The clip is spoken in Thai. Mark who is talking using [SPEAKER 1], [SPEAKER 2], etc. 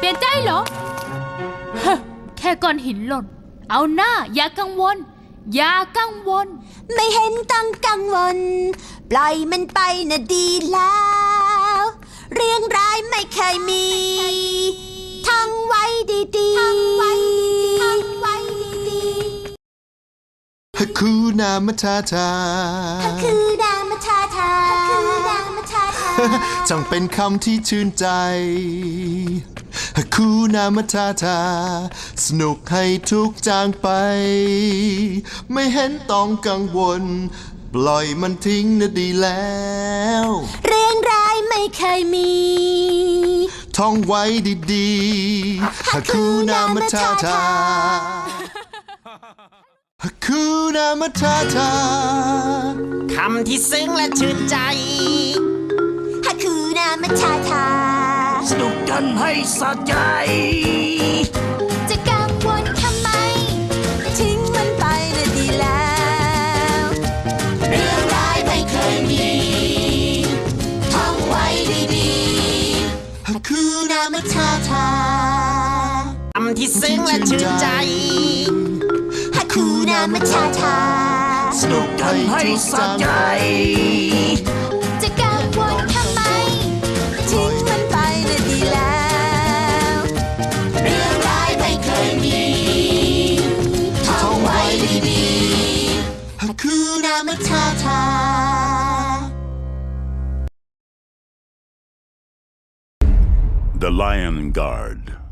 [SPEAKER 1] ลี่ยนใจเหรอฮะแค่ก้อนหินหล่นเอาหน้าอย่ากังวลอย่ากังวล
[SPEAKER 2] ไม่เห็นต้องกังวลปล่อยมันไปนะดีแล้วเรื่องร้ายไม่เคยมีท่องไว้ดีๆท่องไว้ดี
[SPEAKER 3] ๆฮักคูนามาทาทา
[SPEAKER 2] ฮักคูนามาทาทาฮักคูนามาทาทา
[SPEAKER 3] จังเป็นคำที่ชื่นใจฮักคูนามาทาทาสนุกให้ทุกจางไปไม่เห็นต้องกังวลปล่อยมันทิ้งนะดีแล้ว
[SPEAKER 2] เรื่องร้ายไม่เคยมี
[SPEAKER 3] ท่องไว้ดีๆฮักคูนามาทาทาฮักคูนามาทาทา
[SPEAKER 4] คำที่ซึ้งและชื่นใจ
[SPEAKER 2] ฮักคูนามาทาทา
[SPEAKER 4] สนุกกันให้สะใจ
[SPEAKER 2] จะกังวลทำไมทิ้งมันไปนะดีแล้วเรื่องร้ายไม่เคยมีท่องไว้ดีๆฮักคูนามาทาทา
[SPEAKER 4] คำที่ซึ้งและชื่นใจ
[SPEAKER 2] ฮักคูนามาทาทา
[SPEAKER 3] สนุกกันให้สะใจ
[SPEAKER 2] จะกังวลทำไมทิ้งมันไปนะดีแล้วเรื่องร้ายไม่เคยมีท่องไว้ดีๆฮักคูนามาทาทา
[SPEAKER 5] The Lion Guard